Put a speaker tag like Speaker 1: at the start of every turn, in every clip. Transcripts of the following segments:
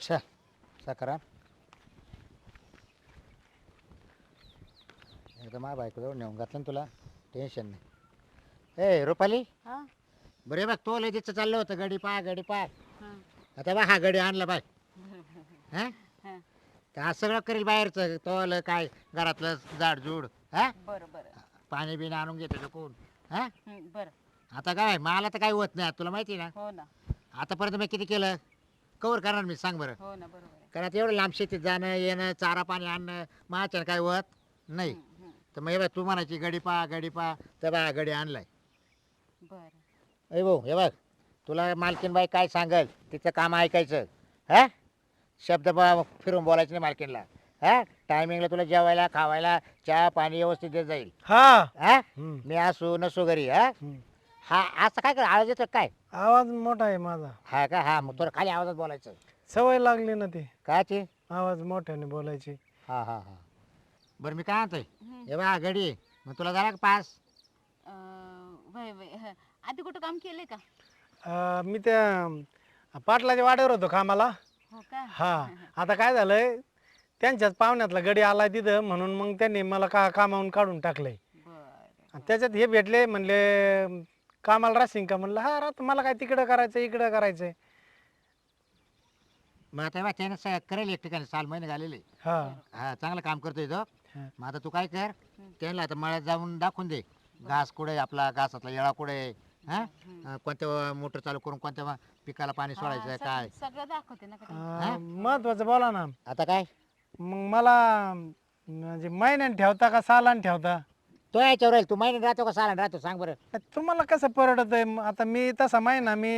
Speaker 1: अच्छा साखरा एकदम बायकोजवळ नेऊन घातलं ना तुला टेन्शन नाही ए रुपाली
Speaker 2: हा
Speaker 1: बरे बघ तो लगेच चाललं होतं गडी पा
Speaker 2: हा
Speaker 1: आता बा हा गडी आणला बाय हा
Speaker 2: हा
Speaker 1: तर हा सगळं करेल बाहेरचं तोल काय घरातलं झाडझूड हा
Speaker 2: बरं बरं
Speaker 1: पाणी बिणी आणून घेतो कोण हा
Speaker 2: बरं
Speaker 1: आता काय मला तर काही होत नाही आता तुला माहिती आहे
Speaker 2: हो ना
Speaker 1: ना आतापर्यंत मी किती केलं कवर करणार मी सांग बरं
Speaker 2: हो ना बरोबर आहे
Speaker 1: कारण आता एवढं लांब शेतीत जाणं येणं चारा पाणी आणणं माझ्यानं काय होत नाही तर मग हे बघ तू म्हणायची गडी पा तर बा गडी आणलाय
Speaker 2: बरं
Speaker 1: अय भाऊ हे बघ तुला मालकीनबाई काय सांगल तिचं काम ऐकायचं हा शब्द फिरून बोलायचं नाही मालकीनला हा टायमिंगला तुला जेवायला खावायला चहा पाणी व्यवस्थित देत जाईल
Speaker 3: हा
Speaker 1: हा मी असू नसू घरी हा हा असं काय कर आवाज येतो काय
Speaker 3: आवाज मोठा आहे माझा.
Speaker 1: हा का हा मग तुला खाली आवाजात बोलायचं
Speaker 3: सवय लागली ना ते
Speaker 1: काची
Speaker 3: आवाज मोठ्याने बोलायची.
Speaker 1: हा हा हा बरं मी काय म्हणतोय हे बा गडी मग तुला झाला का पास
Speaker 2: वय वय आधी कुठं काम केलंय का
Speaker 3: मी त्या पाटलाच्या वाड्यावर होतो कामाला.
Speaker 2: हो का
Speaker 3: हा आता काय झालंय त्यांच्याच पाहुण्यातला गडी आलाय तिथं म्हणून मग त्यांनी मला कामावून काढून टाकलंय.
Speaker 2: बरं
Speaker 3: आणि त्याच्यात हे भेटले म्हणले कामाला राहशील का म्हणलं हा राहत मला काय तिकडं करायचं इकडं करायचंय.
Speaker 1: मग आता बा त्यानं करेल एक ठिकाणी 6 महिने झालेले
Speaker 3: हा
Speaker 1: हा चांगलं काम करतोय तो
Speaker 3: हा.
Speaker 1: मग आता तू काय कर त्यांना आता मळ्यात जाऊन दाखवून दे घास कुठे आपला घासातला येळा कुठे हा कोणत्या मोटर चालू करून कोणत्या पिकाला पाणी सोडायचं
Speaker 2: हा,
Speaker 1: काय
Speaker 2: सगळं दाखवते ना का
Speaker 3: महत्वाचं बोला ना.
Speaker 1: आता काय
Speaker 3: मग मला म्हणजे महिन्याने ठेवता का सालाने ठेवता.
Speaker 1: तो याच्यावर राहील तू महिन्यात राहतो का साला राहतो सांग बरं
Speaker 3: तुम्हाला कसं परवडत आहे आता मी तसा महिना मी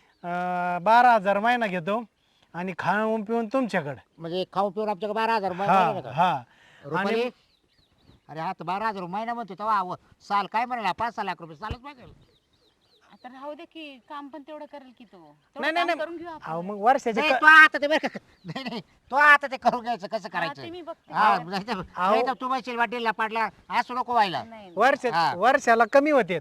Speaker 3: 12,000 महिना घेतो आणि खाऊन पिऊन तुमच्याकडे.
Speaker 1: म्हणजे खाऊन पिऊन आमच्याकडे 12,000
Speaker 3: हा हा
Speaker 1: रुपये अरे हा तर 12,000 महिना म्हणतो तेव्हा साल काय म्हणाला 5-6 लाख रुपये सालच मागेल
Speaker 2: आता राहू दे की काम पण तेवढं करेल की तो
Speaker 3: नाही
Speaker 2: तेवढं
Speaker 3: नाही
Speaker 2: काम करून घेऊ
Speaker 3: नाही
Speaker 2: आपण
Speaker 3: अहो मग वर्षाचे
Speaker 1: नाही तो आता ते बरं का नाही नाही तो आता ते करून घ्यायचं कसं
Speaker 2: हा,
Speaker 1: करायचं
Speaker 2: ते मी बघते
Speaker 1: हा नाही तर तू म्हणशील वाटेला पाडला असं नको व्हायला
Speaker 2: नाही नाही.
Speaker 3: वर्षा वर्षाला कमी होते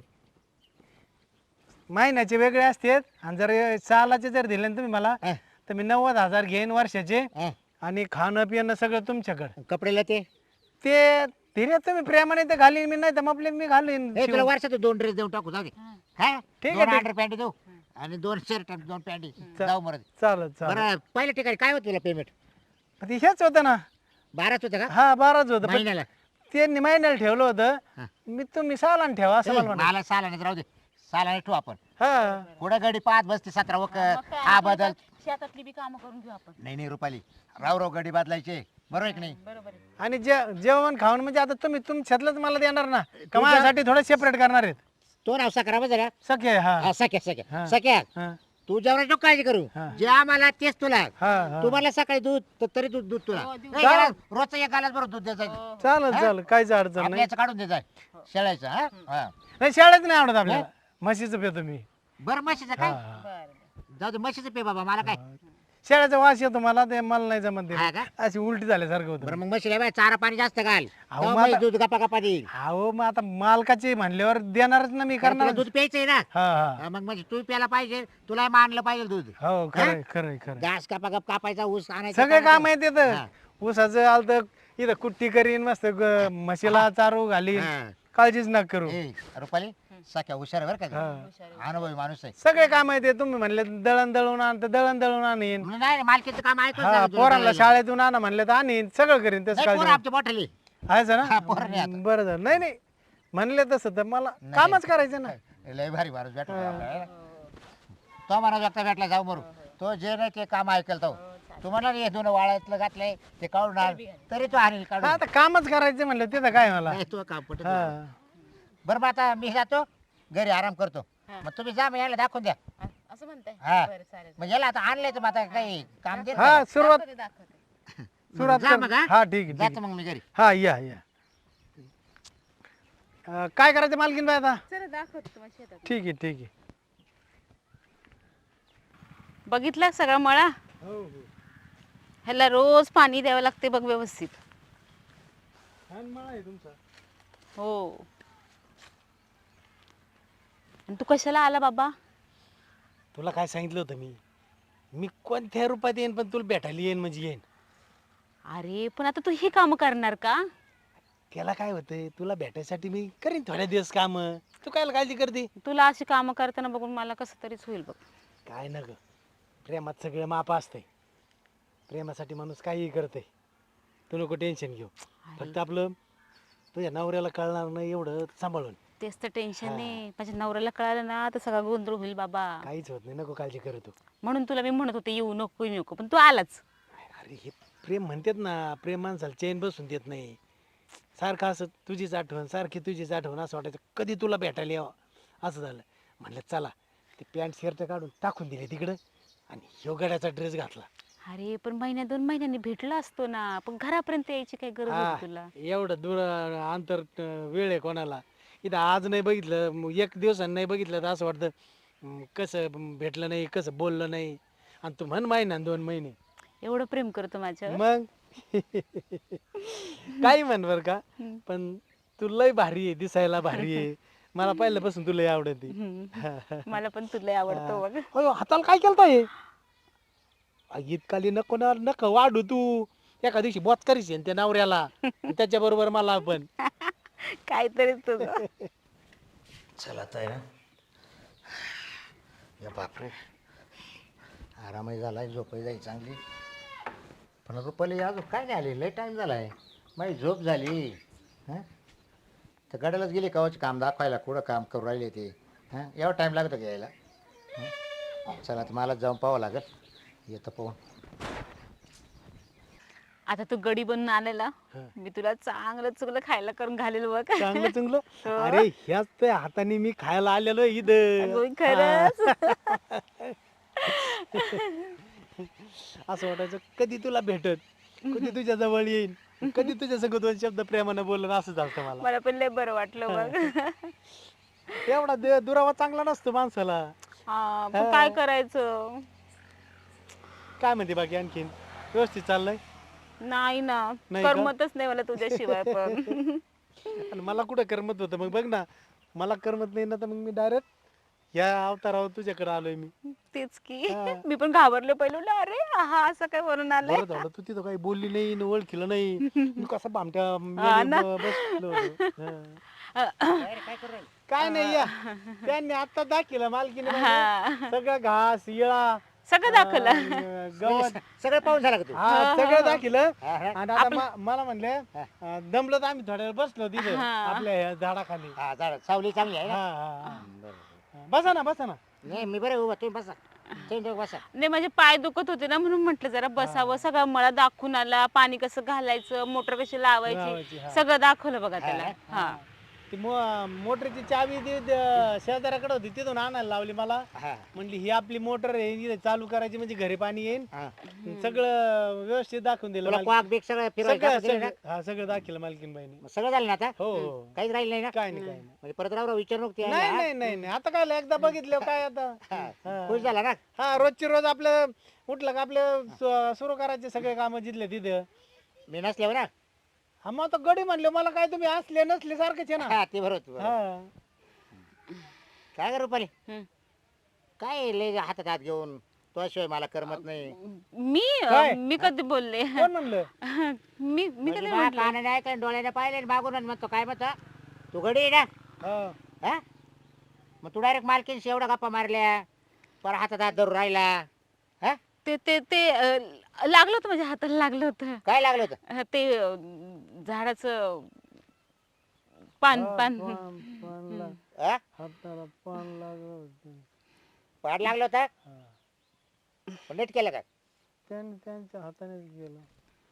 Speaker 3: महिन्याचे वेगळे असतात आणि जर सालाचे जर दिले ना तुम्ही मला
Speaker 1: हा.
Speaker 3: तर मी 90,000 घेईन वर्षाचे
Speaker 1: हा.
Speaker 3: आणि खाणं पिणं सगळं तुमच्याकडे.
Speaker 1: कपडेला ते
Speaker 3: ते धीरे तुम्ही प्रेमाने ते घालीन मी नाही तर मग आपले मी घालीन
Speaker 1: हे तुला
Speaker 3: शिवून.
Speaker 1: वर्षात 2 ड्रेस देऊन टाकू जाऊ दे
Speaker 2: हा.
Speaker 1: हा
Speaker 3: ठीक आहे,
Speaker 1: 2
Speaker 3: ठीक.
Speaker 1: अंडर पॅन्ट देऊ आणि 2 शर्ट 2 पॅन्ट जाऊ मरत
Speaker 3: चालेल चालेल
Speaker 1: बरं पहिल्या ठिकाणी काय होतं तुला पेमेंट
Speaker 3: ते हेच होतं ना
Speaker 1: 12च होतं का
Speaker 3: हा 12च होतं पण
Speaker 1: महिन्याला
Speaker 3: त्यांनी महिन्याला ठेवलं होतं
Speaker 1: हा.
Speaker 3: मी तुम्ही सालान ठेवा असं मला म्हणायचं.
Speaker 1: मला सालाने राहू दे सालाने ठेवू आपण
Speaker 3: हा
Speaker 1: कुठं गडी 5 बसते 17
Speaker 2: मग
Speaker 1: वखत
Speaker 2: काय,
Speaker 1: हा
Speaker 2: आपली
Speaker 1: बदल
Speaker 2: पण शेतातली बी कामं करून घेऊ आपण
Speaker 1: नाही रुपाली राव गडी बदलायचे बरोबर आहे की नाही
Speaker 2: बरोबर आहे
Speaker 3: आणि जेवण खाऊन म्हणजे आता तुम्ही तुमच्यातलंच मला देणार ना का माझ्यासाठी थोडं सेपरेट करणार आहेत.
Speaker 1: तो नाव सकरा बघा
Speaker 3: सख्य हा
Speaker 1: सख्या
Speaker 3: हा.
Speaker 1: सख्या सख्या
Speaker 3: हा
Speaker 1: तू जेवणाची नको काळजी करू
Speaker 3: हा.
Speaker 1: जे आम्हाला तेच तुला
Speaker 3: हा हा.
Speaker 1: तुम्हाला सकाळी दूध तरी दूध तुला
Speaker 2: हो, देऊ.
Speaker 1: नाही, याला रोजचं 1 गालाच बरोबर दूध द्यायचं
Speaker 2: हो, हो.
Speaker 3: चालेल
Speaker 1: हा?
Speaker 3: चालेल काहीच अडचण नाही.
Speaker 1: आपल्याचं काढून द्यायचं शेळायचं हा हा.
Speaker 3: नाही शाळेत नाही आवडत आपल्याला म्हशीचं पितो मी.
Speaker 1: बरं म्हशीचं
Speaker 3: हा
Speaker 1: काय
Speaker 3: हा.
Speaker 2: बरं
Speaker 1: जाऊ दे म्हशीचं पे बाबा मला काय
Speaker 3: शेळ्याचा वास येतो मला ते मला नाही जमत ते.
Speaker 1: हा का?
Speaker 3: अशी उलटी झाल्यासारखं
Speaker 1: बरं
Speaker 3: होतं.
Speaker 1: मग म्हशीला बाय चारा पाणी जास्त घाल
Speaker 3: अहो,
Speaker 1: तेव्हा
Speaker 3: मला-
Speaker 1: म्हैस दूध गप्पा गप्पा देईल
Speaker 3: अहो मग आता मालकाचे म्हणल्यावर देणारच ना मी
Speaker 1: कारण
Speaker 3: करणार.
Speaker 1: तुला दूध प्यायचंय ना
Speaker 3: हा हा
Speaker 1: हा, मग म्हणजे तू प्यायला पाहिजे तुला मानलं पाहिजे दूध
Speaker 3: हो खरंय खरंय खरंय
Speaker 1: घास कापायचा ऊस आणायचा
Speaker 3: सगळे काम
Speaker 1: काढायचं.
Speaker 3: आहेत
Speaker 1: हा.
Speaker 3: तिथं ऊसाचं आलत इथं कुट्टी करीन मस्त म्हशीला चारू घालीन
Speaker 1: हा.
Speaker 3: काळजीच नका करू.
Speaker 1: ए, रुपाली सख्या हुशार आहे बरं का
Speaker 3: हा.
Speaker 2: हुशार आहे.
Speaker 1: अनुभवी माणूस आहे
Speaker 3: सगळे काम आहेत तुम्ही म्हणले दळण दळून आण तर दळण दळून आणीन.
Speaker 1: म्हणून नाही मालकीचं काम ऐकून
Speaker 3: हा
Speaker 1: सांगितलं तुला
Speaker 3: पोरांना
Speaker 1: करायला.
Speaker 3: शाळेतून आणा म्हणले तर आणीन सगळं करीन तसं
Speaker 1: नाही,
Speaker 3: काळजी
Speaker 1: पोरं आमच्या मोठाली
Speaker 3: आहेच
Speaker 1: हा, पोरं नाही
Speaker 3: ना
Speaker 1: आता.
Speaker 3: बरं झालं नाही नाही म्हणले तसं तर मला कामच करायचं ना.
Speaker 1: लय भारी माणूस भेटला आपल्याला. तो माणूस आता भेटला जाऊ मरू तो जे नाही ते काम ऐकल तो तू म्हणला हे 2 वाळ्यातलं घातलंय ते काढून आण तरी तो आणील
Speaker 3: हा,
Speaker 1: काढून
Speaker 3: आता कामच करायचं म्हणलं तिथं काय मला.
Speaker 1: नाही, तो काम पटत
Speaker 3: हा
Speaker 1: नाही. बरं मग आता मी जातो घरी आराम करतो
Speaker 2: हा.
Speaker 1: मग तुम्ही जा मग याला दाखवून द्या
Speaker 2: असं म्हणताय
Speaker 1: हा.
Speaker 2: बरं चालेल
Speaker 1: मग याला आता आणलंय तर मग आता काही काम दे
Speaker 3: हा सुरुवात
Speaker 2: दाखवते
Speaker 3: सुरुवात
Speaker 1: जा
Speaker 3: कर.
Speaker 1: मग, हा?
Speaker 3: हा ठीक आहे ठीक
Speaker 1: जातो
Speaker 3: आहे.
Speaker 1: मग मी घरी
Speaker 3: हा या काय करायचं मालकीन बाय आता.
Speaker 2: चला दाखवते तुम्हाला शेतात
Speaker 3: ठीक आहे ठीक आहे.
Speaker 2: बघितलं सगळा मळा
Speaker 3: हो
Speaker 2: ह्याला रोज पाणी द्यावं लागते बघ व्यवस्थित
Speaker 3: तुमचा.
Speaker 2: हो आणि तू कशाला आला बाबा
Speaker 3: तुला काय सांगितलं होतं मी मी कोणत्या रूपात येईन पण तुला भेटायला येईन म्हणजे येईन.
Speaker 2: अरे पण आता तू हे काम करणार का?
Speaker 3: त्याला काय होतंय तुला भेटायसाठी मी करीन थोड्या दिवस काम. तू काय काळजी करते?
Speaker 2: तुला अशी कामं करताना बघून मला कसं तरीच होईल बघ.
Speaker 3: काय न ग, प्रेमात सगळं माप असतंय. प्रेमासाठी माणूस काहीही करते. तू नको टेन्शन घेऊ. फक्त आपलं तुझ्या नवऱ्याला कळणार नाही एवढं सांभाळून.
Speaker 2: तेच तर टेन्शन आहे. माझ्या नवऱ्याला कळालं ना तर सगळा गोंधळ होईल बाबा.
Speaker 3: काहीच होत नाही, नको काळजी कर तू.
Speaker 2: म्हणून तुला मी म्हणत होते येऊ नको येऊ नको, पण तू आलाच.
Speaker 3: अरे हे प्रेम म्हणतात ना, प्रेम माणसाला चैन बसून देत नाही. सारखं असं तुझीच आठवण, सारखी तुझीच आठवण असं वाटायचं कधी तुला भेटायला यावं असं झालं. म्हणलं चला ते पॅन्ट शर्ट काढून टाकून दिले तिकडं आणि ह्यो गड्याचा ड्रेस घातला.
Speaker 2: अरे पण महिन्या 2 महिन्यांनी भेटला असतो ना, पण घरापर्यंत यायची काय गरज
Speaker 3: हा,
Speaker 2: होती तुला?
Speaker 3: एवढं दूर अंतर वेळ आहे कोणाला. इथं आज नाही बघितलं, मग एक दिवसानं नाही बघितलं तर असं वाटतं कसं भेटलं नाही, कसं बोललं नाही. आणि तू म्हण महिना 2 महिने.
Speaker 2: एवढं प्रेम करतो माझ्यावर?
Speaker 3: मग काही म्हण बर का, पण तू लय भारी आहे, दिसायला भारी आहे. मला पहिल्यापासून तुला लय आवडते.
Speaker 2: मला पण तुला आवडतो बघ.
Speaker 3: अयो, हाताला काय केलं इतकाली नको ना, नको वाढू तू. एका दिवशी बोच करीस त्या नवऱ्याला त्याच्या बरोबर मला पण.
Speaker 2: काहीतरी तुझं.
Speaker 1: चला आता आहे ना, या बापरे आरामही झाला, झोपही जाई चांगली. पण रुपाली अजून काय नाही आली, लय टाईम झाला आहे. माझी झोप झाली. हां तर गड्यालाच गेली कावाचे काम दाखवायला, कुठं काम करू राहिले ते. हां एवढा टाईम लागतो घ्यायला. चला तर मला जाऊन पाहावं लागेल, येतं पाहून.
Speaker 2: आता तू गडी बनून आलेला, मी तुला चांगलं चुकलं खायला करून घालेल बघ.
Speaker 3: चांगलं चांगलं. अरे ह्याच त्या हाताने मी खायला आलेलो इथं.
Speaker 2: अगं, खरंच.
Speaker 3: असं वाटायचं कधी तुला भेटत, कधी तुझ्या जवळ येईन, कधी तुझ्या संग 2 शब्द प्रेमानं बोलणं असं झालं मला.
Speaker 2: मला पण लय बरं वाटलं बघ.
Speaker 3: एवढा दुरावा चांगला नसतो माणसाला.
Speaker 2: हा पण काय करायचं?
Speaker 3: काय म्हणते बाकी आणखीन? व्यवस्थित चाललंय?
Speaker 2: नाही ना,
Speaker 3: नाही का?
Speaker 2: करमतच नाही मला तुझ्याशिवाय पण.
Speaker 3: आणि मला कुठं करमत होतं? मग बघ ना, मला करमत नाही ना, तर मग मी डायरेक्ट या अवतारावर तुझ्याकडे आलोय मी.
Speaker 2: तेच की मी पण घाबरले पहिलं, म्हणलं, अरे हा असं काय वरून आलंय.
Speaker 3: बरं झालं तू तिथं काही बोलली नाही न ओळखीलं नाही. मी कसं भामट्या
Speaker 2: हा ना.
Speaker 3: बसलो होतो. हा.
Speaker 1: काय करू राहिले?
Speaker 3: काय नाही या त्यांनी आता दाखिलं मालकीने
Speaker 2: हा.
Speaker 3: म्हणजे सगळं घास येळा
Speaker 2: सगळं दाखवलं.
Speaker 3: गवत
Speaker 1: सगळं पाहून झालं का तू?
Speaker 3: हा सगळं दाखिलं.
Speaker 1: हा, हा.
Speaker 3: आणि आता मला म्हणले दमलं तर आम्ही थोड्या वेळ बसलो तिथे
Speaker 2: हा.
Speaker 3: आपल्या ह्या झाडाखाली.
Speaker 1: हा झालं, सावली चांगली आहे
Speaker 3: हा
Speaker 1: ना.
Speaker 3: हा हा.
Speaker 1: बरं.
Speaker 3: बसा ना बसा ना.
Speaker 1: नाही मी बरं उभा, तुम्ही बसा. तुम्ही दोघं बसा.
Speaker 2: नाही माझे पाय दुखत होते ना, म्हणून म्हटलं जरा बसावं. सगळं मला दाखवून आला, पाणी कसं घालायचं, मोटर कशी
Speaker 3: लावायची,
Speaker 2: लावायची,
Speaker 3: हा.
Speaker 2: सगळं दाखवलं बघा त्याला. हा
Speaker 3: ती मोटरची चावी ती शेजाऱ्याकडे होती, तिथून आणायला लावली मला.
Speaker 1: हा
Speaker 3: म्हणली ही आपली मोटर आहे, हिला चालू करायची म्हणजे घरी पाणी येईल.
Speaker 1: हा.
Speaker 3: सगळं व्यवस्थित दाखवून दिलं
Speaker 1: तुला
Speaker 3: मालकी-
Speaker 1: क्वाक बिक सगळं फिरवायचं
Speaker 3: सगळं
Speaker 1: दाखवून दिलं ना?
Speaker 3: सगळं हा सगळं दाखवलं मालकीनबाईने.
Speaker 1: मग सगळं झालं ना आता?
Speaker 3: हो हो.
Speaker 1: काहीच राहिलं नाही ना?
Speaker 3: काय नाही काय नाही.
Speaker 1: म्हणजे परत राव विचार नको ते.
Speaker 3: नाही नाही नाही नाही. आता काय एकदा बघितलं काय आता. हा.
Speaker 1: खुश झाला ना?
Speaker 3: हा रोजची रोज आपलं उठलं का आपलं सुरू करायचे सगळे काम जिथले तिथे.
Speaker 1: मी नसल्यावर ना?
Speaker 3: हा मग आता गडी म्हणले मला काय तुम्ही असले नसले सारखेच आहे ना.
Speaker 1: हा ते बरोबर.
Speaker 3: हा.
Speaker 1: काय करू रुपाली?
Speaker 2: हम्म.
Speaker 1: काय लय हातात हात घेऊन तुझ्याशिवाय मला करमत नाही.
Speaker 3: काय?
Speaker 2: मी कधी बोलले?
Speaker 3: कोण म्हणलं?
Speaker 2: मी
Speaker 1: म्हणजे
Speaker 2: कधी
Speaker 1: माझ्या
Speaker 2: म्हटलं?
Speaker 1: कानाने ऐकलं, डोळ्याने पाहिले, मागून म्हणतो काय म्हणतो तू गडी आहे ना?
Speaker 3: हा.
Speaker 1: हा मग तू डायरेक्ट मालकीनशी एवढा गप्पा मारल्या, पर हातात हात धरून राहिला. हा
Speaker 2: ते ते ते लागलं होतं, माझ्या हाताला लागलं होतं.
Speaker 1: काय लागलं होतं?
Speaker 2: ते झाडाचं पान पान.
Speaker 3: पान लाग-
Speaker 1: हा?
Speaker 3: हाताला पान लागलं होतं.
Speaker 1: पाड लागलं होतं?
Speaker 3: हा.
Speaker 1: पण नीट केलं का?
Speaker 3: त्यांनी त्यांच्या हातानेच गेलं.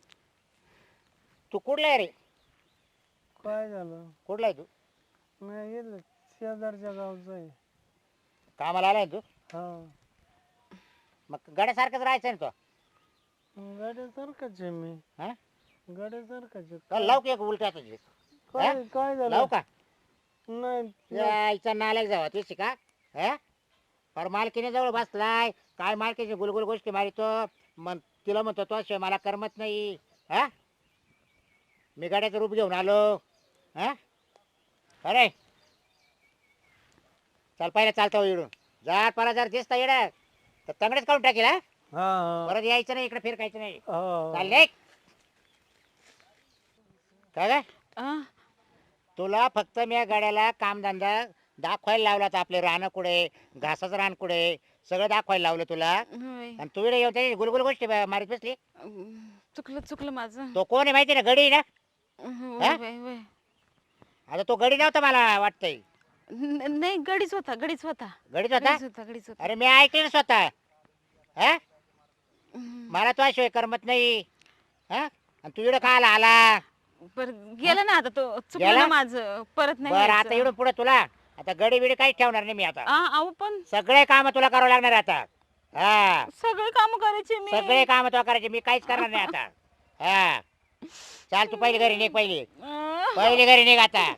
Speaker 1: तू कुठला आहे रे?
Speaker 3: काय झालं?
Speaker 1: कुठला आहे तू?
Speaker 3: नाही गेलं शेजारच्या गावचं आहे.
Speaker 1: कामाला आलाय ना तू?
Speaker 3: हा.
Speaker 1: मग गड्यासारखंच राहायचं ना तो?
Speaker 3: गाड्यासारखाच आहे मी.
Speaker 1: हा
Speaker 3: गाड्यासारखाच आहे.
Speaker 1: का लाव की एक उलट्या तुझी?
Speaker 3: काय काय झालं?
Speaker 1: लाव का?
Speaker 3: नाही
Speaker 1: यायचा नालायक जावा तुझी का? हा पर मालकीने जवळ बसलाय, काय मालकीची गुलगुल गोष्टी मारितो. मग तिला म्हणतो तो शिवाय मला करमत नाही. हा मी गाड्याचं रूप घेऊन आलो. हा अरे चल पहिला चालतो इडून. जर परा जर दिसता येड तर तंगडेच काढून टाकेल. हा
Speaker 3: हा.
Speaker 1: परत यायचं नाही इकडे फिरकायचं नाही
Speaker 3: हो.
Speaker 1: चालले काय काय
Speaker 2: अं,
Speaker 1: तुला फक्त मी या गाड्याला कामधंदा दाखवायला लावला होता आपले रानं कुठे घासाचं रान कुठे सगळं दाखवायला लावलं तुला
Speaker 2: होय.
Speaker 1: आणि तू इकडे येऊन त्याची गुलगुल गोष्टी मारीत बसली
Speaker 2: चुकलं चुकलं माझं.
Speaker 1: तो कोण आहे माहिती ना गडी ना
Speaker 2: होय, होय, होय.
Speaker 1: आता तो गडी नव्हता मला वाटतंय
Speaker 2: नाही गडीच होता गडीच होता
Speaker 1: गडीच होता
Speaker 2: गडीच होता गडीच होता.
Speaker 1: अरे मी ऐकले ना स्वतः हा मला तो शिवाय करमत नाही हा आणि तू इकडे खायला आला
Speaker 2: पर गेला ना आता तो चुकलं
Speaker 1: गेला?
Speaker 2: ना माझं परत नाही
Speaker 1: बरं आता
Speaker 2: यायचं.
Speaker 1: इकडून पुढे तुला आता गडी बिडी काहीच ठेवणार नाही मी आता
Speaker 2: अहो पण
Speaker 1: सगळे काम तुला करावं लागणार आहे आता हा
Speaker 2: सगळे काम करायचे मी.
Speaker 1: सगळे काम तुला करायचे मी काहीच करणार नाही आता हा चाल तू पहिली घरी निघ पहिली पहिली घरी निघ आता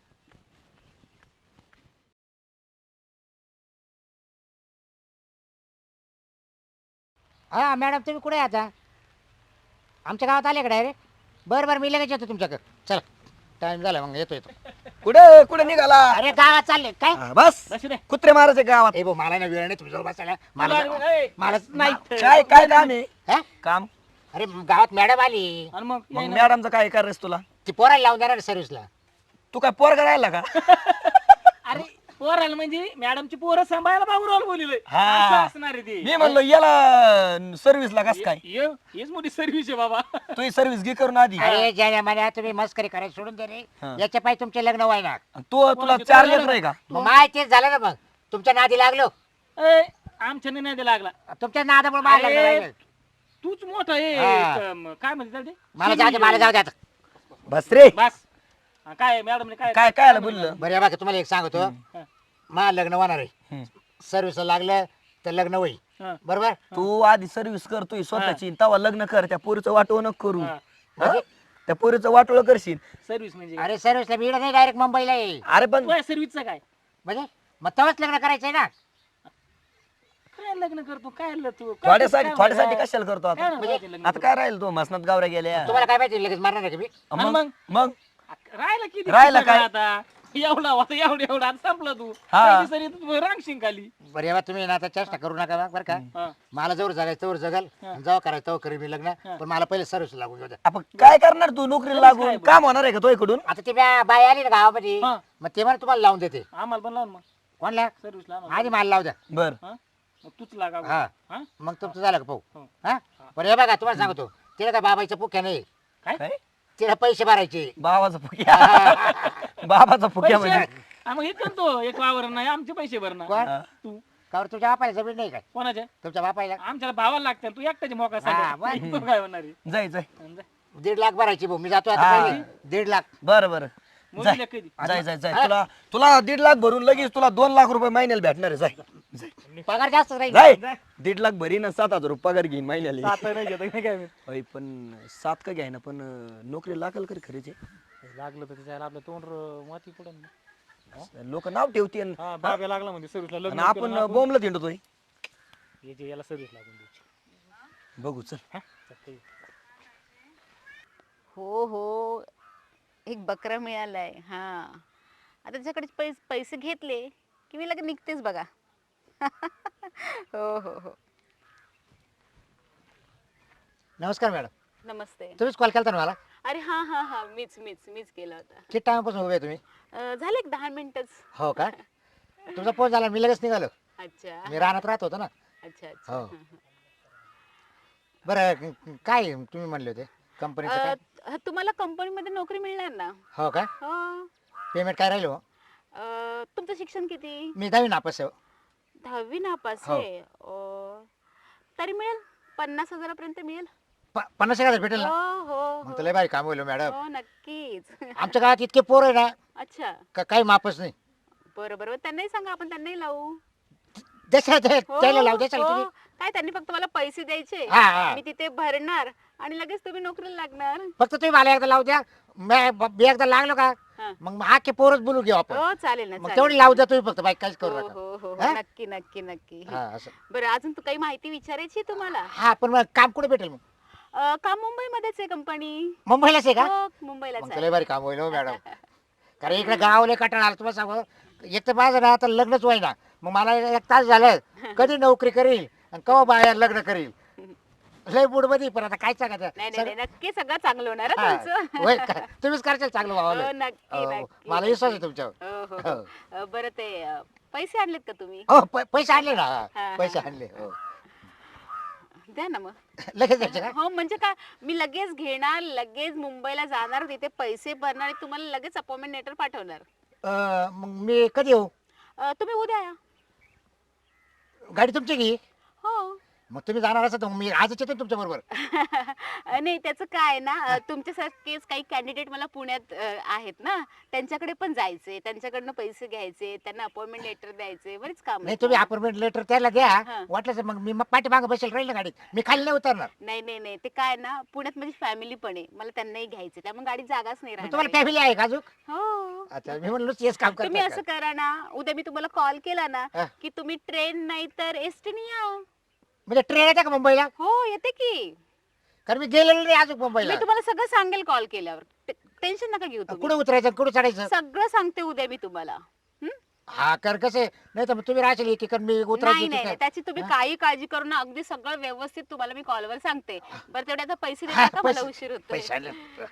Speaker 1: हा मॅडम तुम्ही कुठे आहे आता आमच्या गावात आले का डायरेक्ट बरं बरं मी लगेच येतो तुमच्याकडे चला टाइम झाला मग येतो येतो
Speaker 4: कुठे कुठे निघाला
Speaker 1: अरे गावात चालले काय
Speaker 4: हा, बस कुत्रे मारायचे गावात
Speaker 1: ए भाऊ मला ना वेळ नाही तुमच्यावर बसायला मला मला
Speaker 3: नाही.
Speaker 4: काय काय काम आहे
Speaker 1: हा?
Speaker 4: काम
Speaker 1: अरे गावात मॅडम आली
Speaker 3: आणि मग
Speaker 4: मग मॅडमचं काय करायचं तुला
Speaker 1: ती पोराला लावून देणार सर्व्हिसला
Speaker 4: तू काय पोरगा राहिला का
Speaker 3: अरे पोराला म्हणजे मॅडमची पोरं सांभाळायला बाबूराव बोलिले
Speaker 4: हा.
Speaker 3: असणार आहे ते
Speaker 4: मी म्हणलो याला सर्व्हिसला कस काय
Speaker 3: हेच मोठी सर्व्हिस आहे बाबा.
Speaker 4: तू ही सर्व्हिस घे करून आधी
Speaker 1: अरे ज्या म्हणे तुम्ही मस्करी करायला सोडून दे रे
Speaker 4: हा.
Speaker 1: याच्या पायी तुमचे लग्न व्हायना
Speaker 4: तू तुला 4 लेकर आहे का
Speaker 1: मग माय तेच झालं ना मग तुमच्या नादी लागलो
Speaker 3: ए, आमच्या नाही लागला
Speaker 1: तुमच्या नादामुळे मला लग्न
Speaker 3: अरे,
Speaker 1: व्हायला.
Speaker 3: तूच मोठा आहे
Speaker 1: हा.
Speaker 3: काय म्हणते ते
Speaker 1: मला जाऊ दे मला जाऊ दे आता
Speaker 4: बस रे
Speaker 3: बस हा, काय मॅडम काय
Speaker 4: काय काय बोललं
Speaker 1: बरं या बघा तुम्हाला एक सांगतो
Speaker 3: हा.
Speaker 1: मला लग्न होणार आहे
Speaker 4: हम्म.
Speaker 1: सर्व्हिसला लागलं तर लग्न होईल
Speaker 3: हा.
Speaker 1: बरोबर
Speaker 4: तू आधी सर्व्हिस करतोय स्वतःची तेव्हा लग्न कर त्या पोरीचं वाटोळ नको करू
Speaker 3: हा.
Speaker 4: हा? त्या पोरीचं वाटोळ करशील
Speaker 3: सर्व्हिस म्हणजे
Speaker 1: अरे सर्व्हिसला मी नाही डायरेक्ट मुंबईला आहे
Speaker 4: अरे पण
Speaker 3: सर्व्हिसचं काय
Speaker 1: म्हणजे मग तेव्हाच लग्न करायचंय ना
Speaker 3: काय लग्न करतो काय तू
Speaker 4: थोड्यासाठी थोड्यासाठी कशाला करतो
Speaker 3: काय
Speaker 4: आता
Speaker 3: म्हणतो लग्न
Speaker 4: आता काय राहील तो मसनात गावऱ्या गेल्या
Speaker 1: तुम्हाला काय माहिती लगेच मारणार आहे का मी
Speaker 3: आणि
Speaker 4: मग मग
Speaker 3: राहिला किती
Speaker 4: राहिला
Speaker 3: सगळं
Speaker 4: काय?
Speaker 3: आता एवढा होता एवढा आता संपला तू
Speaker 4: हा.
Speaker 3: पहिली सरी तू रांगशील खाली
Speaker 1: बरं यावा तुम्ही ना आता चेष्टा करू नका बरं का
Speaker 3: हा.
Speaker 1: मला जवळ जगायचं तोवर जगल आणि जेव्हा करायचं तेव्हा करेल मी लग्न पण मला पहिले सर्व्हिस लागू घेऊ द्या
Speaker 4: आपण काय करणार तू नोकरीला लागून काम होणार आहे का तो इकडून
Speaker 1: आता ती बाई आली ना गावामध्ये
Speaker 3: हा.
Speaker 1: मग ते मला तुम्हाला लावून देते
Speaker 3: आम्हाला पण लावून मग
Speaker 1: कोणला
Speaker 3: सर्व्हिस लाव
Speaker 1: आधी मला लावू द्या
Speaker 4: बर
Speaker 3: मग तूच लागा
Speaker 1: हा
Speaker 3: हा?
Speaker 1: मग तुमचं झालं का पाहू
Speaker 3: हो.
Speaker 1: हा बरं हे बघा तुम्हाला सांगतो तिला काय बाबाईचं पुक्या नाही
Speaker 4: काय
Speaker 1: तिला पैसे भरायचे
Speaker 4: बाबाचा फुक्या बाबाचा फुक्या म्हणजे
Speaker 3: हा, मग इथं तो एक वावर नाही आमचे पैसे भरणार
Speaker 1: कोण
Speaker 3: तू
Speaker 1: का बरं तुमच्या बापाला जमीन नाही काय
Speaker 3: कोणाच्या
Speaker 1: तुमच्या बापाला
Speaker 3: आमच्याला भावाला लागतं तू एकट्याची मोका
Speaker 1: हा,
Speaker 3: सांग तू काय होणार आहे?
Speaker 4: जाय जाय
Speaker 3: जा.
Speaker 1: 1.5 लाख भरायची भाऊ मी जातो आता
Speaker 4: हा.
Speaker 1: पहिले 1.5 लाख
Speaker 4: बर बर
Speaker 3: मोजूया कधी
Speaker 4: जाय जाय जाय तुला तुला 1.5 लाख भरून लगेच तुला 2 लाख रुपये महिन्याला भेटणार आहे जाय
Speaker 1: पगार जास्त राहील
Speaker 4: जाय 1.5 लाख भरीन 7,000 रुपये पगार घेईन महिन्याला
Speaker 3: आता नाही घेत काय माहित.
Speaker 4: अय, पण 7 का घ्याय ना पण नोकरी लागल करी खरीचे
Speaker 3: लागलं तर त्याच्याला आपलं तोंड माती पडन
Speaker 4: लोक नाव ठेवते
Speaker 3: हा बाब्या लागला म्हणजे सर्व्हिसला
Speaker 4: आणि
Speaker 3: लग्न
Speaker 4: आपण बोंबला थिंडतोय
Speaker 3: याची याला सर्व्हिस लागून द्यायची
Speaker 4: बघू चल
Speaker 3: हा? चालतंय.
Speaker 2: हो हो एक बकरा मिळालाय हा आता त्याच्याकडे पैसे घेतले की मी लगेच निघतेच बघा हो हो हो
Speaker 1: नमस्कार मॅडम
Speaker 2: नमस्ते
Speaker 1: तुम्हीच कॉल केला ना मला
Speaker 2: अरे हा हा हा मीच केला होता
Speaker 1: किती टाइमपासून उभे आहे तुम्ही
Speaker 2: झाले एक 10 मिनिटच
Speaker 1: हो का तुमचा फोन झाला मी लगेच निघालो
Speaker 2: अच्छा
Speaker 1: मी रानात राहत होतो ना
Speaker 2: अच्छा अच्छा
Speaker 1: हो. बरं काय तुम्ही म्हणले होते कंपनीचं काय
Speaker 2: तुम्हाला कंपनीमध्ये नोकरी मिळणार ना
Speaker 1: हो का
Speaker 2: हो
Speaker 1: पेमेंट काय राहील हो
Speaker 2: तुमचं शिक्षण किती
Speaker 1: मी 10वी नापास आहे हो.
Speaker 2: 10वी नापास
Speaker 1: हो.
Speaker 2: आहे तरी मिळेल 50,000 पर्यंत मिळेल
Speaker 1: 50,000 भेटेल ना
Speaker 2: हो हो
Speaker 1: मग तर लय भारी काम होईल हो, मॅडम
Speaker 2: हो नक्कीच
Speaker 1: आमच्या गावात इतके पोर आहे ना
Speaker 2: अच्छा
Speaker 1: का काही मापच नाही
Speaker 2: बरं बरं त्यांनाही सांगा आपण त्यांनाही लावू
Speaker 1: त्याला त्याला लावू द्याल
Speaker 2: हो.
Speaker 1: तुम्ही
Speaker 2: काय त्यांनी फक्त मला पैसे द्यायचे
Speaker 1: हा, हा.
Speaker 2: मी तिथे भरणार आणि लगेच तुम्ही नोकरीला लागणार
Speaker 1: फक्त तुम्ही मला एकदा लावू द्या मी एकदा लागलो का
Speaker 2: हा.
Speaker 1: मग आखे पोरच बोलू घेऊ आपण
Speaker 2: हो चालेल ना
Speaker 1: मग
Speaker 2: चालेल.
Speaker 1: तेवढी लावू द्या तुम्ही फक्त बाईक काहीच
Speaker 2: हो
Speaker 1: करू
Speaker 2: हो
Speaker 1: नका
Speaker 2: हो हो
Speaker 1: हा?
Speaker 2: नक्की नक्की नक्की
Speaker 1: हा असं
Speaker 2: बरं अजून तू काही माहिती विचारायची आहे तुम्हाला
Speaker 1: हा पण मग काम कुठे भेटेल मग
Speaker 2: काम मुंबईमध्येच आहे कंपनी
Speaker 1: मुंबईलाच आहे का
Speaker 2: हो मुंबईलाच
Speaker 1: मग
Speaker 2: आहे
Speaker 1: तर लय भारी काम होईल हो मॅडम कारण इकडे गावले कटाळा आला तुम्हाला सांगू एक तर माझं ना आता लग्नच होईना मग मला 1 तास झालं कधी नोकरी करील आणि कवा बाहेर लग्न करील लय मूड मध्ये पण आता काय सांगायचं
Speaker 2: नाही नाही नाही, नक्की सगळं चांगलं होणार हं
Speaker 1: हा,
Speaker 2: तुमचं.
Speaker 1: होय का? तुम्हीच करशाल चांगलं
Speaker 2: हो,
Speaker 1: भावाला
Speaker 2: नक्की नक्की
Speaker 1: मला विश्वास आहे तुमच्यावर
Speaker 2: हो, हो, हो. बरं ते पैसे आणलेत का तुम्ही?
Speaker 1: हो पैसे आणले ना
Speaker 2: हा,
Speaker 1: पैसे
Speaker 2: हा.
Speaker 1: आणले हो
Speaker 2: द्या ना मग.
Speaker 1: लगेच द्यायचे का
Speaker 2: हो म्हणजे काय, मी लगेच घेणार, लगेच मुंबईला जाणार, तिथे पैसे भरणार आणि तुम्हाला लगेच अपॉइंटमेंट लेटर पाठवणार.
Speaker 1: मग मी कधी येऊ
Speaker 2: तुम्ही उद्या या.
Speaker 1: गाडी तुमची की
Speaker 2: हो.
Speaker 1: मग तुम्ही जाणार असं तर मी आजच येतो तुमच्या बरोबर
Speaker 2: नाही त्याचं काय आहे ना, तुमच्यासारखेच काही कॅन्डिडेट मला पुण्यात आहेत ना, त्यांच्याकडे पण जायचे, त्यांच्याकडनं पैसे घ्यायचे, त्यांना अपॉइंटमेंट लेटर द्यायचे, बरेच काम
Speaker 1: नाही तुम्ही अपॉइंटमेंट लेटर त्याला द्या
Speaker 2: हा.
Speaker 1: वाटलं तर मग मी पाठीमागं बसेल राहील ना गाडीत मी खाली नाही उतरणार
Speaker 2: नाही नाही नाही, ते काय आहे ना, पुण्यात माझी फॅमिली पण आहे, मला त्यांनाही घ्यायचे, त्यामुळे गाडीत जागाच नाही
Speaker 1: मग
Speaker 2: राहणार
Speaker 1: तुम्हाला
Speaker 2: आहे.
Speaker 1: फॅमिली आहे का अजून
Speaker 2: हो.
Speaker 1: अच्छा मी म्हणलो हेच काम
Speaker 2: तुम्ही
Speaker 1: करतो
Speaker 2: असं करा ना, उद्या मी तुम्हाला कॉल केला ना
Speaker 1: हा.
Speaker 2: की तुम्ही ट्रेन नाही तर एसटीने या.
Speaker 1: म्हणजे ट्रेन येते का मुंबईला
Speaker 2: हो येते की,
Speaker 1: कारण मी गेलेलो नाही अजून मुंबईला
Speaker 2: मी तुम्हाला सगळं सांगेल कॉल केल्यावर, टेन्शन नका घेऊ तुम्ही.
Speaker 1: कुठे उतरायचं कुठे चढायचं
Speaker 2: सगळं सांगते उद्या मी तुम्हाला. हं?
Speaker 1: हा कर कसे नाही तर मग तुम्ही राहशील की कारण मी
Speaker 2: नाही
Speaker 1: उतरायची
Speaker 2: नाही नाही, त्याची तुम्ही काही काळजी करू ना, अगदी सगळं व्यवस्थित तुम्हाला मी कॉलवर सांगते. बरं तेवढे आता पैसे देता का, मला उशीर होतो.
Speaker 1: पैसे आणले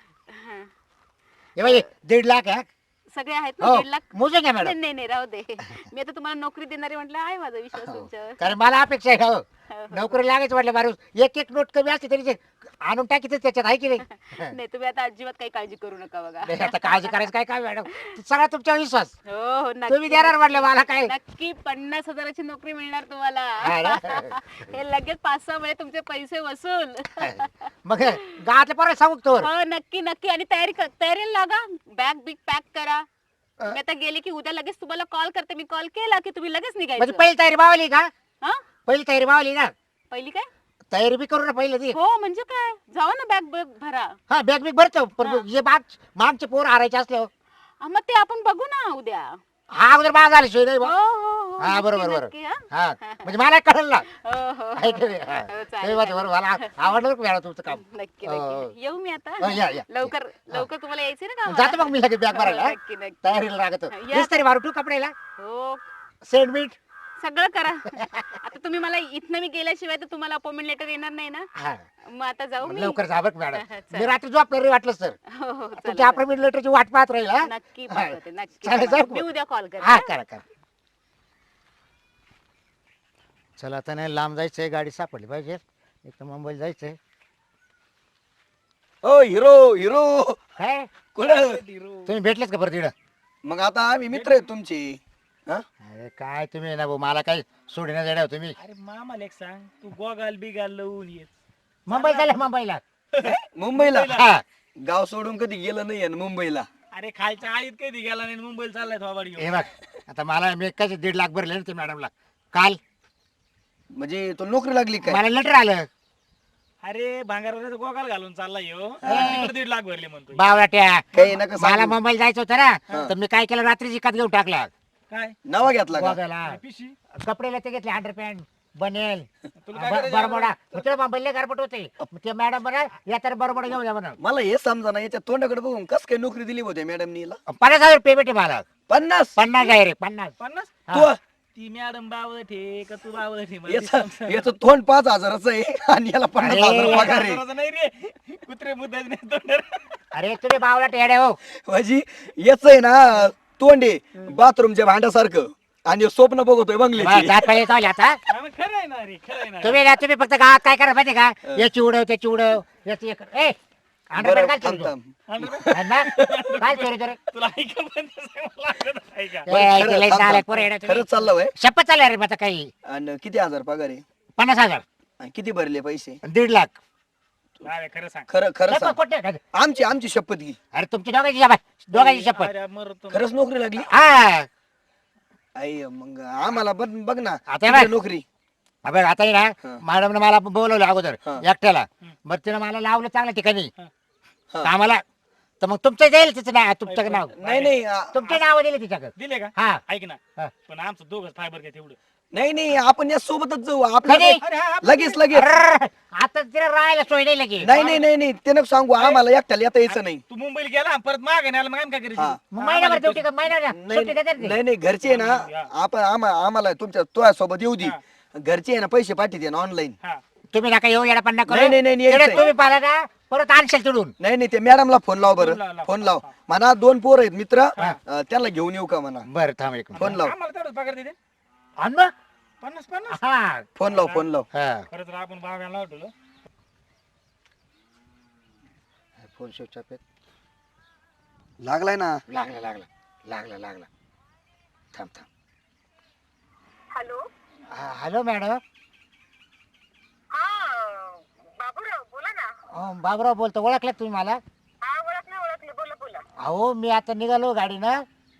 Speaker 1: हे बाई 1.5 लाख आहे
Speaker 2: सगळे आहेत ना
Speaker 1: हो
Speaker 2: 1.5 लाख?
Speaker 1: मोजून घ्या
Speaker 2: नाही
Speaker 1: मॅडम
Speaker 2: नाही नाही, राहू दे. मी आता तुम्हाला नोकरी देणारी म्हटलं, आहे माझा विश्वास तुमच्यावर.
Speaker 1: कारण मला अपेक्षा आहे हो
Speaker 2: हो.
Speaker 1: नोकरी लागायचं म्हटलं माणूस एक एक नोट कमी असते तरी ते आणून टाकीतच त्याच्यात आहे की नाही
Speaker 2: नाही तुम्ही आता अजिबात काही काळजी करू नका बघा.
Speaker 1: नाही, आता काळजी करायचं काय काय मॅडम सगळा तुमच्यावर विश्वास
Speaker 2: हो हो
Speaker 1: तुम्ही
Speaker 2: नक्की
Speaker 1: देणार म्हटलं मला काय
Speaker 2: नक्की 50,000ची नोकरी मिळणार तुम्हाला.
Speaker 1: हा ना?
Speaker 2: हे लगेच 5-6 महिने तुमचे पैसे वसूल.
Speaker 1: मग गावातल्या पोरं सांगू तो
Speaker 2: हो नक्की नक्की, आणि तयारीला लागा, बॅग बिग पॅक करा. मी आता गेले की उद्या लगेच तुम्हाला कॉल करते, मी कॉल केला की तुम्ही लगेच
Speaker 1: म्हणजे
Speaker 2: निघायचं.
Speaker 1: पहिली तयारी मावली का
Speaker 2: हा
Speaker 1: पहिली तयारी मावली ना
Speaker 2: पहिली काय?
Speaker 1: तयारी बी करू ना पहिले ती
Speaker 2: हो म्हणजे काय, जावा ना बॅग भरा.
Speaker 1: हा बॅग बिग भरतो पण
Speaker 2: हा.
Speaker 1: जे मागचे पोर हारायचे असल्यावर
Speaker 2: मग ते आपण बघू ना उद्या.
Speaker 1: हा अगोदर माग झाली सोय नाही
Speaker 2: हो
Speaker 1: बा.
Speaker 2: हो हो
Speaker 1: हा
Speaker 2: नक्की,
Speaker 1: बरोबर बरोबर
Speaker 2: नक्की, हा.
Speaker 1: हा म्हणजे मला कळलं ना
Speaker 2: हो हो
Speaker 1: आहे की नाही? हा.
Speaker 2: हो,
Speaker 1: ते
Speaker 2: चालेल,
Speaker 1: बरोबर मला आवडलं बरं मॅडम तुमचं काम
Speaker 2: नक्की
Speaker 1: हो,
Speaker 2: नक्की. येऊ मी आता.
Speaker 1: हो, या.
Speaker 2: लवकर लवकर तुम्हाला यायचंय ना
Speaker 1: जातो मग मी लगेच बॅग भरायला हा?
Speaker 2: नक्की नक्की.
Speaker 1: तयारीला लागत
Speaker 2: या.
Speaker 1: तरी मारू तू कपड्याला
Speaker 2: हो
Speaker 1: सेंड मीट
Speaker 2: सगळं करा. आता तुम्ही मला इथनं मी गेल्याशिवाय तर तुम्हाला अपॉइंटमेंट लेटर येणार नाही ना,
Speaker 1: हा
Speaker 2: मग आता जाऊ मी.
Speaker 1: लवकर जा बरं मॅडम
Speaker 2: चल.
Speaker 1: मी रात्री झोपणार नाही वाटलं सर
Speaker 2: हो हो
Speaker 1: तुमच्या
Speaker 2: चला,
Speaker 1: अपॉइंटमेंट लेटरची वाट पाहत राहील हा
Speaker 2: नक्की
Speaker 1: हा.
Speaker 2: पाठवते नक्की.
Speaker 1: चालेल,
Speaker 2: पाठवा.
Speaker 1: जाऊ
Speaker 2: मी
Speaker 1: मग.
Speaker 2: उद्या कॉल करते
Speaker 1: हा
Speaker 2: हा?
Speaker 1: करा करा चला आता नाही लांब जायचंय गाडी सापडली पाहिजे एक तर मुंबईला जायचंय
Speaker 4: ओ हिरो हिरो
Speaker 1: काय
Speaker 4: कुठं
Speaker 1: तुम्ही भेटलेच का परत तिकडं
Speaker 4: मग आता आम्ही मित्र आहेत तुमचे हा?
Speaker 1: अरे काय तुम्ही ना भाऊ मला काय सोडण्यात येणार तुम्ही
Speaker 3: अरे मामाला एक सांग, तू गोगाल बिगाल लावून येत.
Speaker 1: मुंबईला चालले मुंबईला
Speaker 4: मुंबईला
Speaker 1: हा
Speaker 4: गाव सोडून कधी गेलं नाही मुंबईला.
Speaker 3: अरे खालच्या आळीत कधी गेला नाही, मुंबईला चाललाय थोबाड
Speaker 1: हे
Speaker 3: घेऊन.
Speaker 1: बघ आता मला मी कसे 1.5 लाख भरले ना ते मॅडमला काल
Speaker 4: म्हणजे तो नोकरी लागली काय?
Speaker 1: मला लेटर आलं
Speaker 3: अरे भांगारवाल्याचा गोगाल घालून चाललाय ह्यो. तिकडे 1.5 लाख भरले म्हणतो.
Speaker 1: बावळाट्या
Speaker 4: काही नका
Speaker 1: मला
Speaker 4: सांगू.
Speaker 1: मुंबईला जायचं होतं ना तर मी काय केलं रात्री जिकात घेऊन टाकला
Speaker 3: काय
Speaker 4: नवा घेतला का?
Speaker 1: बघायला
Speaker 3: पिशी
Speaker 1: कपडेला ते घेतले अंडरपॅन्ट बनेल
Speaker 3: तुला काय करायचं
Speaker 1: बरमोडा तुला मुंबईला गारपट होते मग ते मॅडम म्हणा या तर बरमोडा घेऊन जा म्हणा
Speaker 4: मला हे समजा ना याच्या तोंडाकडे बघून कस काय नोकरी दिली होती मॅडमनी
Speaker 1: 50,000 पेमेंट आहे मला
Speaker 4: 50.
Speaker 1: 50 आहे रे 50
Speaker 3: 50?
Speaker 4: तू
Speaker 3: ती मॅडम बावळट आहे का तू बावळट आहे? मला ते
Speaker 4: याचं
Speaker 3: सांग.
Speaker 4: याचं तोंड 5,000च आहे आणि याला 50,000
Speaker 1: अरे,
Speaker 4: पगार आहे.
Speaker 3: करायचं नाही रे, कुत्रे मुद्दाच नाही तोंडावर.
Speaker 1: अरे तुम्ही बावळा टेडे हो
Speaker 4: म्हणजे याच आहे ना तोंड आहे बाथरूमच्या भांड्यासारखं आणि स्वप्न बघतोय बंगल्याची.
Speaker 1: जात पाहिजे चालले आता
Speaker 3: हा, मग खरं आहे ना रे, खरं आहे ना.
Speaker 1: तुम्ही फक्त गावात काय करा माहिती का याची उडव त्याची उडव याची ए
Speaker 4: बरं,
Speaker 1: काय
Speaker 4: थांब,
Speaker 1: चोरी
Speaker 4: थांब.
Speaker 1: काय चोरी करे
Speaker 3: तुला ऐका पण तसं मला ऐकत आहे का?
Speaker 4: खरं-
Speaker 1: लय
Speaker 4: थांब,
Speaker 1: चालय
Speaker 4: थांब.
Speaker 1: पोरं येडे तुम्ही.
Speaker 4: खरंच चाललं वय
Speaker 1: शपथ चालल्या रे आता काही
Speaker 4: आणि किती हजार पगार आहे
Speaker 1: 50,000
Speaker 4: आणि किती भरले पैसे?
Speaker 1: 1.5 लाख
Speaker 3: अरे खरं सांग.
Speaker 4: खरं खरं
Speaker 1: शपथ
Speaker 4: सांग.
Speaker 1: खोटं आहे का?
Speaker 4: आमची शपथ घे.
Speaker 1: अरे तुमची दोघांची शपथ दोघांची शपथ
Speaker 3: अरे मरतो.
Speaker 4: खरंच नोकरी लागली?
Speaker 1: हा
Speaker 4: आई मग आम्हाला बघ ना
Speaker 1: आता
Speaker 4: किती
Speaker 1: बघ.
Speaker 4: नोकरी.
Speaker 1: अबे आता आहे
Speaker 4: हा.
Speaker 1: ना मॅडमने मला बोलवलं अगोदर
Speaker 4: हा.
Speaker 1: एकट्याला मग तिने मला लावलं चांगल्या ठिकाणी
Speaker 4: हा.
Speaker 1: कामाला तर मग तुमचं जाईल तिचं नाव तुमचं नाव
Speaker 4: नाही नाही
Speaker 1: तुमचे नाव दिले तिच्याकडे
Speaker 3: दिले का?
Speaker 1: हा
Speaker 3: ऐक ना,
Speaker 1: हा.
Speaker 3: पण आमचं दोघं फायबर काय तेवढं.
Speaker 4: नाही नाही आपण या सोबतच जाऊ आपलं
Speaker 1: कधी?
Speaker 4: काय-
Speaker 3: अरे हा,
Speaker 4: लगेच लगेच
Speaker 1: अर्र, आता तिला राहायला सोय नाही लगे
Speaker 4: नाही नाही नाही नाही ते नको सांगू आम्हाला एकट्याला येता यायचं नाही.
Speaker 3: तू मुंबईला गेला परत मागे नाही आला, मग आम्ही काय
Speaker 4: हा.
Speaker 3: करायचं?
Speaker 1: मग महिनाभर ड्युटी महिना
Speaker 4: नाही
Speaker 1: सुट्टी देतात ते.
Speaker 4: नाही नाही घरचे आहे ना
Speaker 3: हा.
Speaker 4: आपण आम्हाला तुमच्या तुझ्या सोबत येऊ दे
Speaker 3: हा.
Speaker 4: घरचे आहे ना पैसे पाठवते ना ऑनलाईन.
Speaker 1: तुम्ही नका येऊ येडा पण नका
Speaker 4: नाही, नाही, नाही,
Speaker 1: तिकडे
Speaker 4: यायचंय.
Speaker 1: तुम्ही पाहिला ना परत आणशाल तिडून.
Speaker 4: नाही नाही ते मॅडमला फोन लाव बरं, फोन लाव म्हणा 2 पोर आहेत मित्र त्यांना घेऊन येऊ का म्हणा.
Speaker 1: बरं थांब एक
Speaker 4: फोन लाव,
Speaker 3: आम्हाला तेवढंच पगार देते
Speaker 1: आण मग.
Speaker 3: 50
Speaker 1: हा
Speaker 4: फोन लाव, फोन लाव.
Speaker 1: हा
Speaker 3: खरं तर आपण बागायला लावतो.
Speaker 1: फोन स्विच ऑफ
Speaker 4: लागलाय ना.
Speaker 1: लागला लागला लागला लागला. थांब थांब.
Speaker 5: हॅलो.
Speaker 1: Hello madam.
Speaker 5: हा बाबूराव बोला ना.
Speaker 1: बाबराव बोलतो. ओळखलं तुम्ही मला?
Speaker 5: हा ओळखले बोला बोला.
Speaker 1: अहो मी आता निघालो गाडीनं.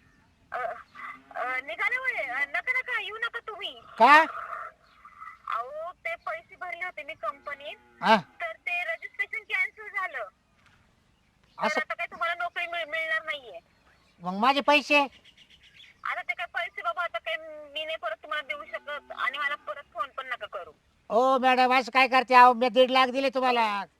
Speaker 5: निघाले होय. नका नका येऊ नका तुम्ही.
Speaker 1: का?
Speaker 5: अहो ते पैसे भरले होते मी कंपनीत,
Speaker 1: हा
Speaker 5: तर ते रजिस्ट्रेशन कॅन्सल झालं. तर
Speaker 1: असं
Speaker 5: आता काही तुम्हाला नोकरी मिळणार नाहीये.
Speaker 1: मग माझे पैसे?
Speaker 5: आता ते काय पैसे बाबा आता काही मी नाही परत तुम्हाला देऊ शकत, आणि मला परत फोन पण नका करू.
Speaker 1: ओ मॅडम असं काय करते? अहो मी 1.5 लाख दिले तुम्हाला.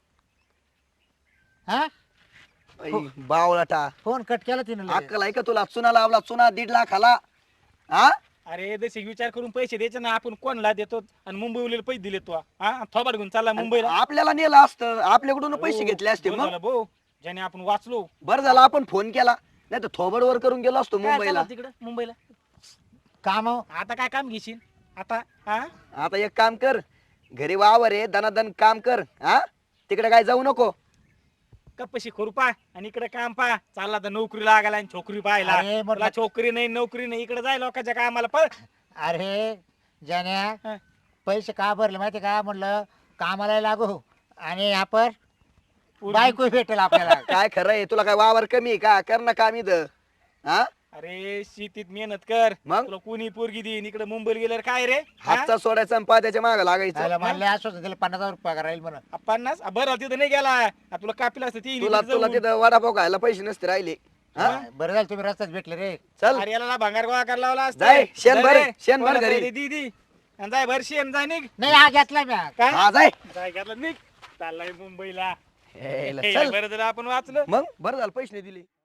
Speaker 1: हा
Speaker 4: बावळाटा
Speaker 1: फोन कट केला तिने लगेच.
Speaker 4: अक्कल आहे का तुला? चुना लावला, चुना 1.5 लाखाला. हा
Speaker 3: अरे जसे विचार करून पैसे द्यायचे ना, आपण कोणला देतो आणि मुंबईला पैसे दिले तो थोबाड घेऊन चालला मुंबईला.
Speaker 4: आपल्याला नेलं असतं, आपल्याकडून पैसे घेतले असते.
Speaker 3: बरं
Speaker 4: मग
Speaker 3: झालं भाऊ, ज्याने आपण वाचलो.
Speaker 4: बरं झालं आपण फोन केला, नाही तर थोबडवर करून गेलो असतो
Speaker 3: काय
Speaker 4: मुंबईला.
Speaker 3: चाललं तिकडं मुंबईला?
Speaker 1: काम
Speaker 3: आता काय काम घेशील आता? हा
Speaker 4: आता एक काम कर, घरी वावर आहे, दनादन काम कर. हा तिकडे काय जाऊ नको.
Speaker 3: कपशी करू पा आणि इकडे काम पा. चालला तर नोकरी लागायला आणि छोकरी पाहायला.
Speaker 1: अरे, म्हटलं-
Speaker 3: तुला छोकरी नाही नोकरी नाही, इकडे जाय लोकांच्या कामाला पळ.
Speaker 1: अरे जाण्या
Speaker 3: हा.
Speaker 1: पैसे का भरले माहिती का? म्हणलं कामाला लागू आणि आपण बायको भेटेल आपल्याला.
Speaker 4: काय खरं आहे? तुला काय वावर कमी आहे का? कर ना काम इथं. हा
Speaker 3: अरे शेतीत मेहनत कर,
Speaker 4: मग?
Speaker 3: तुला कोणी पोरगी देईन. इकडे मुंबईला गेल्यावर काय रे? हा?
Speaker 4: हातचा सोडायचा आणि पात्याच्या मागे लागायचं.
Speaker 1: त्याला म्हणलं असं दिलं 50,000 पगार राहील म्हणून.
Speaker 3: 50 बरं तिथं नाही गेला. तुला कापीला असतं ती
Speaker 4: तुला तिथं वडापाव खायला पैसे नसते राहिले. हा
Speaker 1: बरं झालं तुम्ही रस्त्यात भेटले रे.
Speaker 4: चल
Speaker 3: अरे याला भांगार गोळा करायला लावला असता.
Speaker 4: जाय, शेण भर,
Speaker 3: जाय रे.
Speaker 4: शेण भर
Speaker 3: कोणाला
Speaker 4: घरी.
Speaker 3: दे, दी दी. आणि जाय भर शेण, जाय निघ.
Speaker 1: नाही हा घेतला मी.
Speaker 3: काय
Speaker 4: हा जाय.
Speaker 3: जाय घातलं निघ. चाललाय मुंबईला.
Speaker 4: हे,
Speaker 3: हे,
Speaker 4: चल
Speaker 3: बरं झालं आपण वाचलं.
Speaker 4: मग बरं झालं पैसे नाही दिले.